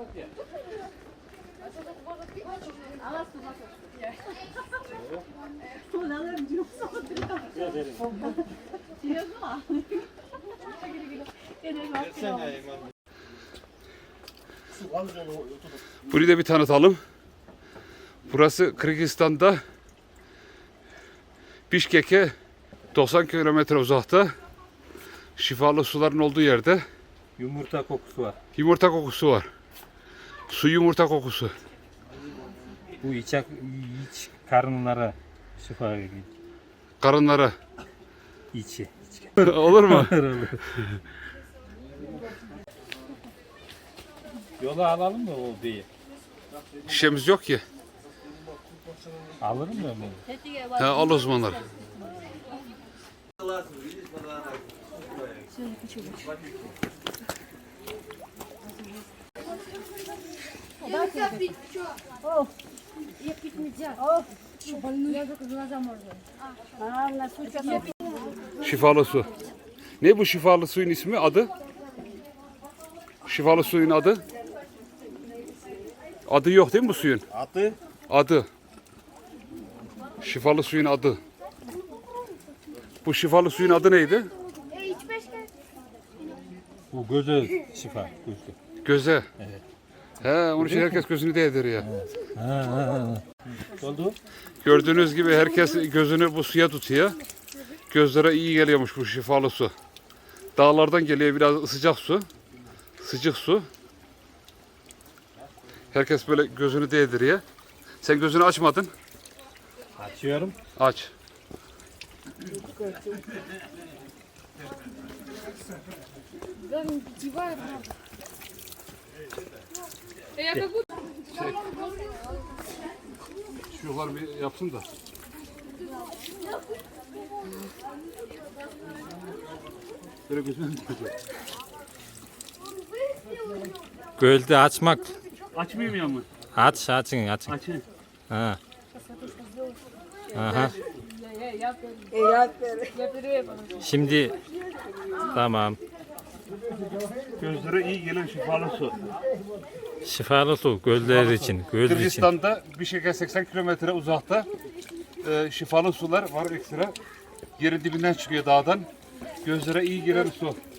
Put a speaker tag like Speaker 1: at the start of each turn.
Speaker 1: Burayı da bir tanıtalım. Burası Kırgızistan'da Bişkek'e 90 kilometre uzakta, şifalı suların olduğu yerde
Speaker 2: Yumurta kokusu var.
Speaker 1: yumurta kokusu var. Su yumurta kokusu.
Speaker 2: Bu iç karınlara şifa veriyor.
Speaker 1: Karınlara.
Speaker 2: İçi.
Speaker 1: Olur mu?
Speaker 2: Yola alalım mı o beyi?
Speaker 1: Şişemiz yok ki.
Speaker 2: Alırım ya bunu.
Speaker 1: Al o zamanlar. Şifalı su. Ne bu şifalı suyun ismi, adı? Şifalı suyun adı? Adı yok değil mi bu suyun?
Speaker 2: Adı?
Speaker 1: Adı. Şifalı suyun adı. Bu şifalı suyun adı neydi?
Speaker 2: Bu göze şifa.
Speaker 1: Göze.
Speaker 2: Evet.
Speaker 1: He, onun için herkes gözünü değdiriyor.
Speaker 2: Oldu.
Speaker 1: Gördüğünüz gibi herkes gözünü bu suya tutuyor. Gözlere iyi geliyormuş bu şifalı su. Dağlardan geliyor biraz sıcak su. Sıcak su. Herkes böyle gözünü değdiriyor. Sen gözünü açmadın.
Speaker 2: Açıyorum.
Speaker 1: Aç. Şuralar bir yapsın da. Böyle gözünü
Speaker 2: Gölde açmak.
Speaker 1: açmayayım ya mı?
Speaker 2: Açın.
Speaker 1: Açın.
Speaker 2: Ha. Aha. Şimdi tamam.
Speaker 1: Gözlere iyi gelen şifalı su.
Speaker 2: Şifalı su göller için. Göl için.
Speaker 1: Kırgızistan'da Bişkek'e 80 kilometre uzakta şifalı sular var ekstra. Yerin dibinden çıkıyor dağdan. Gözlere iyi gelen su.